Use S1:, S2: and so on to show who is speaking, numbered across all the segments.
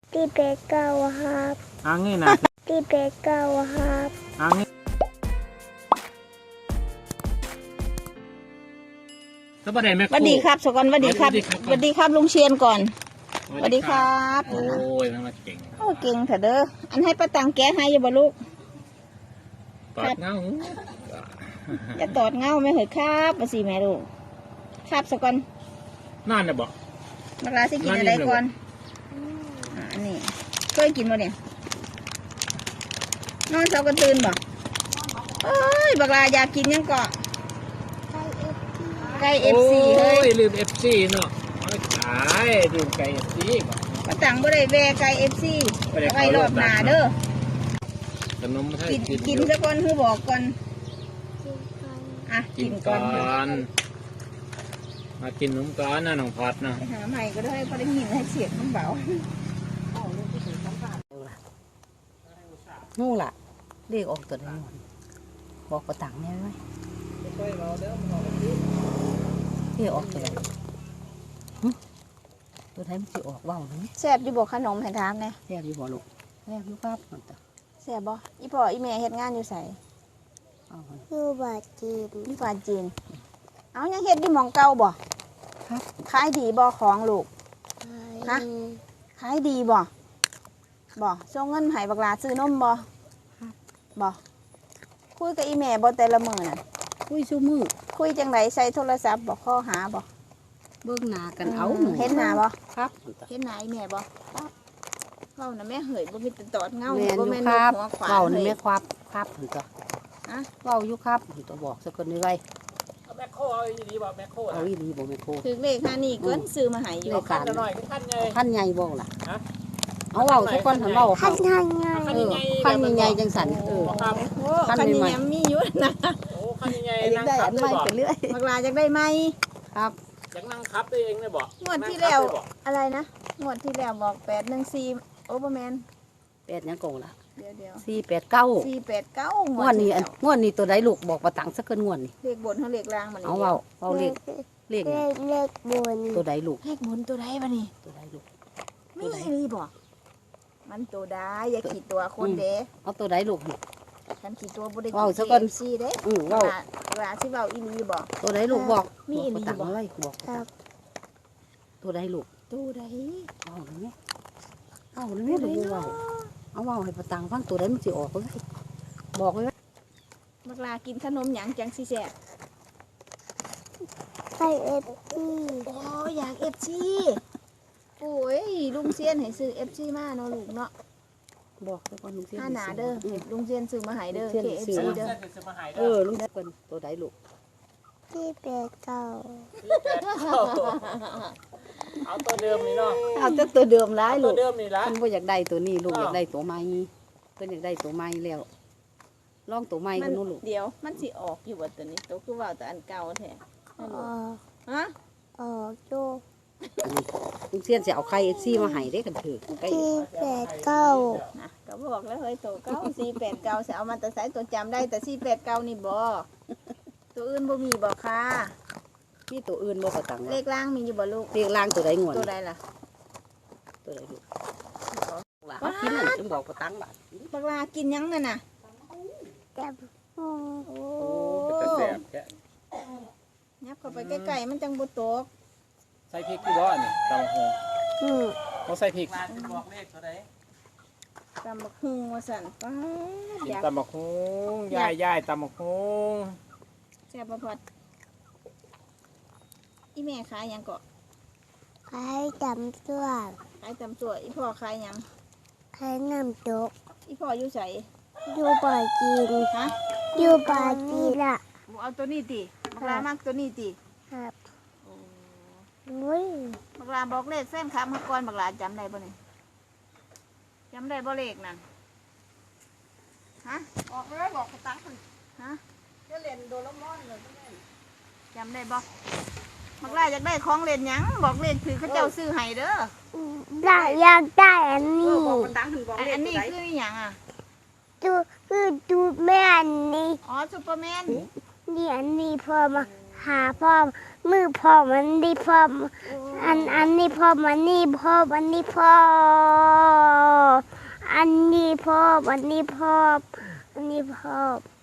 S1: ที่เป็ดเก่าครับ
S2: งี้นะ
S1: ที่เป็ดเก่าครับ
S2: งี้สวัสดีแม่
S3: สวัสดีครับสกอนสวัสดีครับสวัสดีครับลุงเชียนก่อนสวัสดีครับ
S2: โอ้ยมันมาเก่ง
S3: โอ้เก่งเถอะเด้ออันให้ป้าตังแกะให้อย่าบ่ลูก
S2: ตอดเงา
S3: อย่าตอดเงาไม่เหรอครับมาสิแม่ลูกครับสกอน
S2: นั่นน่ะบอก
S3: บักลาสิกินอะไรก่อนอันนี้เคยกินบ่เนี่ยนอนเช้าก็ตื่นบ่เอ้ยบักลาอยากกินยังเกาะไก่เอฟซีเฮ้ย
S2: ลืมเอฟซีเนาะขายลืมไก่เอฟซีก่อน
S3: ป้าตังบ่ได้แวะไก่เอฟซีไว้รอบหน้าเด้อ
S2: ขนมให้
S3: กินซะก่อนคือบอกก่อน
S2: กินก่อนมากินนมก่อนนะน้องพอดนะ
S3: หาใหม่ก็ได้พอได้ยินให้เสียงมันเบา
S4: งูล่ะเรียกออกตัวไหนบอกกระตังเนี่ยไหมเรียกออกตัวไหนตัวไหนมันจะออกว่าวหรือ
S3: แซ่บอยู่บ่ขนมให้ถามแน่
S4: แซ่บอยู่บ่ลูกแซ่บอยู่ครับ
S3: แซ่บบ่อีพ่ออีแม่เฮ็ดงานอยู่ไส
S1: อยู่บาจีน
S3: อยู่บาจีนเอายังเฮ็ดอยู่หม่องเก่าบ่
S4: ครับ
S3: ขายดีบ่ของลูกฮะขายดีบ่ส่งเงินให้บักหลาซื้อนมบ่คุยกับอีแม่บ่แต่ละมื้อน่ะ
S4: คุยซูมือ
S3: คุยจังไดใช้โทรศัพท์บ่ข้อหาบ่
S4: เบิ่งหน้ากันเอา
S3: เห็นหน้าบ่
S4: ครับ
S3: เห็นหน้าอีแม่บ่ครับเว้าน่ะแม่เหยบ่มีแต่ตอดเงา
S4: บ่แม่นหัวขวานเว้านี่แม่ครับถึงตัว
S3: ฮะ
S4: เว้าอยู่ครับตัวบอกสักคนนึงไว้
S2: แม่โคเอาอีดีบ่แม่โค
S4: เอาอีดีบ่แม่โค
S3: ถึงเลขค่านี่เกินซื้อมาให้อยู่
S2: คันหน่อย
S4: คันใหญ่บ่ล่ะเอาเว้าสักคนหันเว้า
S1: คันใหญ่
S4: คันใหญ่จังสัน
S3: คันใหญ่มีอยู่นะ
S2: โอ้คันใหญ่นั่ง
S4: ขับได้ไปเรื่อย
S3: บักลาจักได้ไหม
S4: ครับ
S2: อยากนั่งขับได้เองเลยบ่
S3: งวดที่แล้วอะไรนะงวดที่แล้วบอก814โอเปอร์แมน
S4: 8ยังโกงล่ะ
S3: เดี๋ยว
S4: 489งวดนี้ตัวใดลูกบอกประตังสักเกินงวดนี่
S3: เลขบนเท่าเลขล่างมัน
S4: เอาเลข
S1: บน
S4: ตัวใดลูก
S3: เลขบนตัวใดวะนี่
S4: ตัวใดลูก
S3: ไม่รีบอกมันตัวใดอย่าขีดตัวคนเด้
S4: เอาตัวใดลูก
S3: ฉันขีดตัวบริ
S4: ว้าวสักคน
S3: ซีเด้
S4: ว้าว
S3: เวลาที่เบาอีลีบอก
S4: ตัวใดลูกบอก
S3: มีอีลีบอก
S4: อะไรบอกตัวใดลูก
S3: ตัวใด
S4: เอาเลยไหมเอาเลยไหมลูกว้าวเอาว้าวให้ประตังฟังตัวใดมันจะออกเลยบอกเลย
S3: บักลากินขนมหยังจังสิแซ่
S1: ไก่เอฟซี
S3: โอ้อยากเอฟซีโอ้ยลุงเซียนให้ซื้อเอฟซีมาเนาะลูกเนาะ
S4: บอกแล้วก็ลุงเซียน
S3: หนาเด้อลุงเซียนซื้อมาให้เด้อเคเอฟซีเด้
S4: อลุงเซียนตัวใดลูก
S1: ที่เป็ดเก่า
S2: เอาตัวเดิมนี่เนาะ
S4: เอาตัวเดิมร้ายลูก
S2: ตัวเดิมนี่ละ
S4: เพิ่นบ่อยากได้ตัวนี้ลูกอยากได้ตัวใหม่เพิ่นอยากได้ตัวใหม่แล้วลองตัวใหม่กันนู้นลูก
S3: เดี๋ยวมันสิออกอยู่ว่าตัวนี้ตัวคือว่าตัวอันเก่าแท้ฮะ
S1: โจ
S4: ลุงเซียนจะเอาไข่ซี่มาให้ได้กันถือ
S1: ที่เป็ดเก่า
S3: นะก็บอกแล้วเฮ้ยตัวเก่า489สิเอามาแต่ใส่ตัวจำได้แต่489นี่บ่ตัวอื่นบ่มีบ่ค่ะ
S4: มีตัวอื่นบ่ประตัง
S3: เลขล่างมีอยู่บ่ลูก
S4: เลขล่างตัวใดงวด
S3: ตัวใดล่ะ
S4: ตัวใดลูกกินนั่นจึงบอกประตังบาท
S3: บักลากินยังนั่นน่ะ
S1: แซ่บ
S3: โอ้
S2: แซ่บแค่
S3: ยับเข้าไปใกล้ๆมันจังบ่ตก
S2: ใส่พริกกี่บ่นี่ตำบักหุ่งเขาใส่พริกบอกเลขเท่าไหร่
S3: ตำบักหุ่งว่าสั่นป้า
S2: อยากตำบักหุ่งยายตำบักหุ่ง
S3: แซ่บบ่พอดอีแม่ขายหยังก็
S1: ขายตำตัว
S3: ขายตำตัวอีพ่อขายหยัง
S1: ขายน้ำตก
S3: อีพ่ออยู่ไส
S1: อยู่บ่อจีน
S3: ฮะ
S1: อยู่บ่อจีนล่ะ
S3: เอาตัวนี้ติบักลามากตัวนี้ติ
S1: ครับ
S3: บักลาบอกเลขแฟนคลับเมื่อก่อนบักลาจำได้บ่นี่จำได้บ่เลขนั่นฮะบอกเลยบอกกระตังฮะจะเล่นโดราเอมอนเลยจำได้บ่บักลาอยากได้ของเล่นหยังบอกเลขถือเขาเจ้าซื้อให้เด้อ
S1: ได้อยากได้อันนี้
S3: อันนี้คือหยังอ่ะ
S1: ดูแม่อันนี้
S3: อ๋อซูเปอร์แมน
S1: นี่อันนี้พอมาหาพ่อมือพ่อมันดีพ่ออันนี้พ่อมันนี่พ่อมันนี่พ่อพ่ออันนี้พ่ออันนี้พ่อ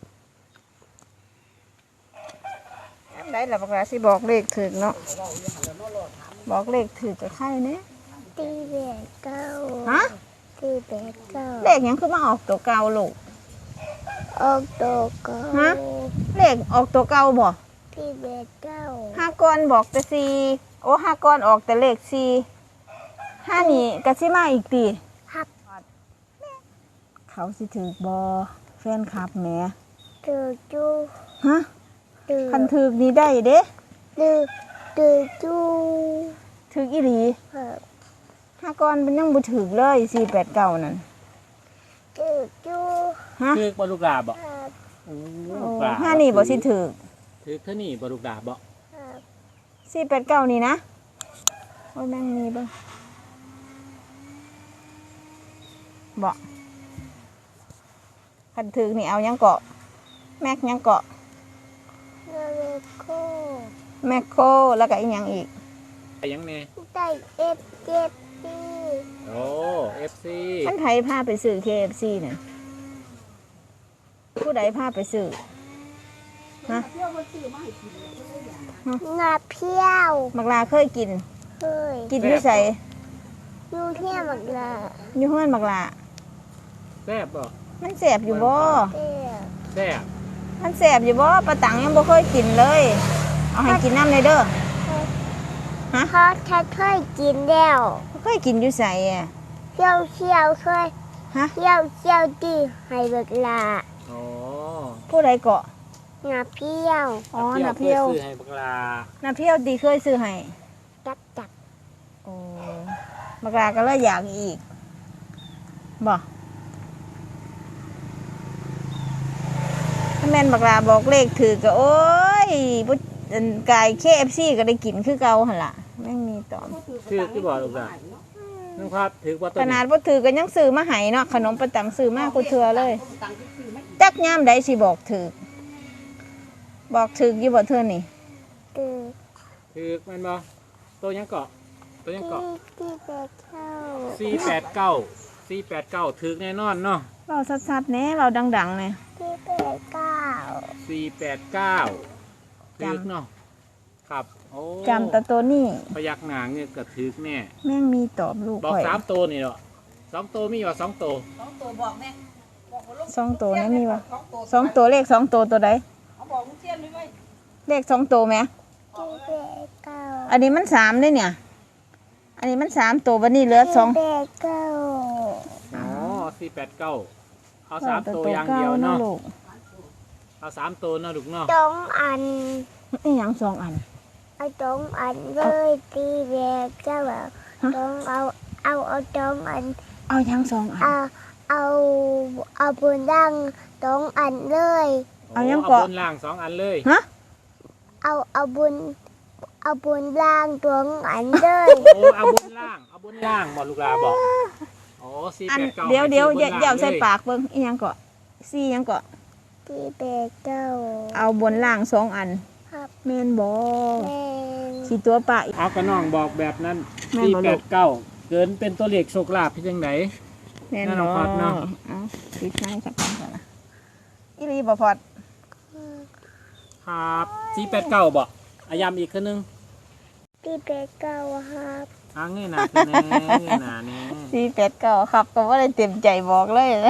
S3: ได้ล่ะบักหลาสิบอกเลขถูกเนาะบอกเลขถูกกับใครเนี่ย
S1: ตีแบกเก้า
S3: ฮะ
S1: ตีแบกเก้า
S3: เลขหยังคือมาออกตัวเก่าลูก
S1: ออกโตเก้า
S3: ฮะ เลขออกตัวเก่าบ่
S1: ตีแบกเก้า
S3: ห้าก้อนบอกแต่สี่โอ้ห้าก้อนออกแต่เลขสี่ห้านี่ก็สิมาอีกตี
S1: หัก
S3: เขาสิถือบอแฟนคลับแหม
S1: ตือจู
S3: ฮะ
S1: ตือ
S3: คันถือนี่ได้เด้
S1: ตือตือจู
S3: ถืออีหลี
S1: ครับ
S3: ห้าก้อนมันยังบ่ถือเลย489นั่น
S1: ตือจู
S3: ฮะ
S2: ถือกบ่ลูกดาบบ่
S1: ครับ
S2: โอ้
S3: โอ้
S2: ลูกดาบ
S3: ห้านี่บ่สิถือ
S2: ถือเท่านี้บ่ลูกดาบบ่
S1: ครับ
S3: 489นี่นะโอ้ยแม่งมีเบิ่งบ่คันถือนี่เอายังเกาะแม็กยังเกาะ
S1: เนเลโค
S3: แมคโครแล้วก็อีกอย่างอีก
S2: ไปยังแน่
S1: ได้เอฟเจ็ดปี
S2: โอ้ FC
S3: ท่านไผพาไปซื้อ KFC เนี่ยผู้ใดพาไปซื้อ
S1: งาเพี้ยว
S3: มักลาเคยกิน
S1: เฮ้ย
S3: กินอยู่ใส่
S1: ยูเที่ยหมดละ
S3: อยู่เฮือนมักลา
S2: แซ่บบ่
S3: มันแสบอยู่บ่
S1: เตี้ย
S2: แซ่บ
S3: มันแสบอยู่บ่ปลาตังยังบ่เคยกินเลย เอาให้กินน้ำเลยเด้อ ฮะ
S1: พอถ้าเคยกินแล้ว
S3: บ่เคยกินอยู่ใส่อะ
S1: เที่ยวเที่ยวเคย
S3: ฮะ
S1: เที่ยวเที่ยวดีให้เวลา
S2: โอ้
S3: ผู้ใดเกาะ
S1: งาเพี้ยว
S3: อ๋อน้าเพียว
S2: ซื้อให้บักลา
S3: น้าเพียวดีเคยซื้อให้
S1: จับจับ
S3: โอ้มักลาก็เลยอยากอีกบ่ถ้าแม่นบักลาบอกเลขถือก็โอ้ยบ่อันกาย KFC ก็ได้กินคือเก่าหั่นล่ะแม่งมีตอม
S2: ถือที่บ่ลูกดาบนึกครับถือบ่ตัว
S3: ขนา
S2: นี้
S3: ดบ่ถือก็ยังซื้อมาให้เนาะขนมประตังซื้อมากูเทื่อเลยจักยามใดสิบอกถือบอกถืออยู่บ่เทื่อนี่
S1: ตือ
S2: ถือแม่นบ่ตัวยังเกาะตัวยังเกาะ
S1: ที่แบกเข้า
S2: 489ถือแน่นอนเนาะ
S3: เว้าชัดๆแหน่เว้าดังๆแหน่
S1: ที่แบกเก้า
S2: 489ถือเนาะครับโอ้
S3: จำแต่ตัวนี้
S2: พยักหน้าเงี้ยก็ถือแน่
S3: แม่งมีตอบลูก
S2: บอก
S3: ข่อย
S2: 3ตัวนี่เนาะ2ตัวมีว่า2ตัว
S3: สองตัวนี่มีบ่สองตัวเลขสองตัวตัวใดเลขสองตัวแหม
S1: ที่แบกเก้า
S3: อันนี้มัน3เด้เนี่ย อันนี้มัน3ตัวบัดนี้เหลือ
S1: ที่
S3: 2
S1: แบกเก้า
S2: อ๋อ489เอา3ตัวอย่างเดียวเนาะ
S3: ลูก
S2: เอา3ตัวเนาะลูกเนาะ
S1: สองอัน
S3: อีหยังสองอัน
S1: เอาสองอันเลยที่แบกเก้าต้องเอาสองอัน
S3: เอาหยังสองอัน
S1: เอาบนดังสองอันเลย
S3: เอายัง
S2: เอา
S3: เกาะ
S2: บนล่าง2อันเลย
S3: ฮะ
S1: เอาบนล่างสองอันเลย
S2: โอ้เอาบนล่างบ่ลูกลาบอกโอ้489
S3: เดี๋ยว
S2: ให้ซื้อบนล่ง
S3: อย่าใส่
S2: ลย
S3: ปากเบิ่งอีหยังเกาะซี่หยังเกาะ
S1: ที่แบกเก้า
S3: เอาบนล่างสองอัน
S1: ครับ
S3: แม่นบ่
S1: แม่น
S3: สิตัวปะอีก
S2: เอากระน้องบอกแบบนั้น
S3: แม่นบ่ลูก
S2: 489เกินเป็นตัวเลขโชคลาภที่จังได
S3: แม่น
S2: นั่น
S3: บ่
S2: เอาพอดเนาะ
S3: เอาปิดไม้สักก่อนก่อนนะอีหลีบ่พอด
S2: ครับ489บ่อายามอีกคือนึง
S1: ที่แบกเก้าครับ
S2: เงยหน้าขึ้นแน่เงยหน้าแน่
S3: 489ครับก็บ่ได้เต็มใจบอกเลยนะ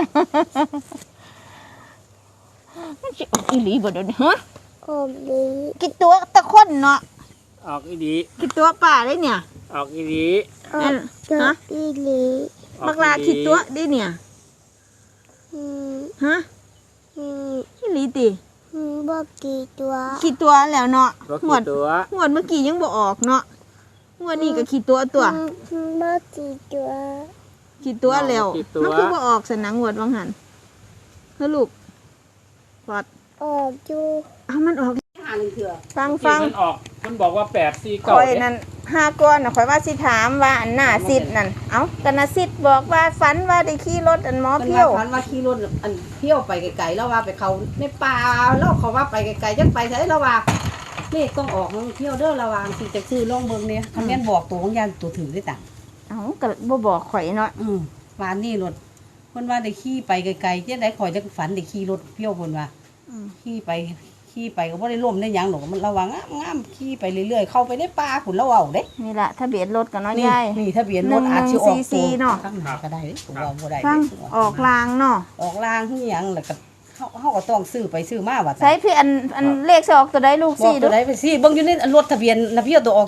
S3: มันสิออกอีหลีบ่เดี๋ยวนี้ฮะ
S1: อมดี
S3: กี่ตัวตะคนเนาะ
S2: ออกอีดี
S3: กี่ตัวป่าได้เนี่ย
S2: ออกอีดี
S1: ออกเจออีหลี
S3: บักลากี่ตัวได้เนี่ย
S1: อืม
S3: ฮะ
S1: อืม
S3: อีหลีติ
S1: บอกกี่ตัว
S3: กี่ตัวแล้วเนาะ
S2: บ่
S3: งว
S2: กี่
S3: ด
S2: ตัว
S3: งวดเมื่อกี้ยังบ่ออกเนาะงวดนี้ก็กี่ตัวตัว
S1: บอกกี่ตัว
S3: กี่ตัวแล้ว
S2: กี่ตัว
S3: มันคือบ่ออกสนังงวดวังหันเฮ้อลูกปอด
S1: ออกอยู่
S3: เอามันออกฟัง
S2: ที่มันออกมันบอกว่า849
S3: ข่อยนั่น5ก้อนน่ะข่อยว่าสิถามว่าอันหน้าซิดนั่นเอ้ากันน่ะซิดบอกว่าฝันว่าได้ขี่รถอันหมอ
S4: มัน
S3: เพี้ยว
S4: ว่าพันว่าขี่รถอันเที่ยวไปไกลๆแล้วว่าไปเขาในป่าแล้วเขาว่าไปไกลๆจังไปใช่แล้วว่าเลขต้องออกมันเที่ยวเด้อระวังสิจะซื้อลองเบิ่งเนี่ยคันแม่นบอกตัวของยานตัวถือได้ต่าง
S3: เอ้าก็บ่บอกข่อยเนาะ
S4: วานนี่รถพิ่นว่าได้ขี่ไปไกลๆจังได๋ข่อยจังฝันได้ขี่รถเพี้ยวเพิ่นว่าขี่ไปก็บ่ได้ล้มได้หยังดอกมันระวังงามๆขี่ไปเรื่อยๆเข้าไปในป่าพุ่นแล้วเว้าเด้
S3: นี่ล่ะทะเบียนรถกันเนาะ
S4: นี่
S3: ยาย
S4: นี่ทะเบียนรถอาจสิออก
S3: 1144เนาะ
S4: ข้างหน้าก็ได้เด้ผมว่าบ่ได้
S3: ฟัง
S4: เด้
S3: ออกลางเนาะ
S4: ออกลางคือหยังแล้วก็เฮาก็ต้องซื้อไปซื้อมาว่า
S3: ใช้พี่อันเลขสิออกตัวใดลูก
S4: บอก
S3: สี่
S4: ตัวใดไปสิเบิ่งอยู่ในรถทะเบียนนะพี่เอาตัวออก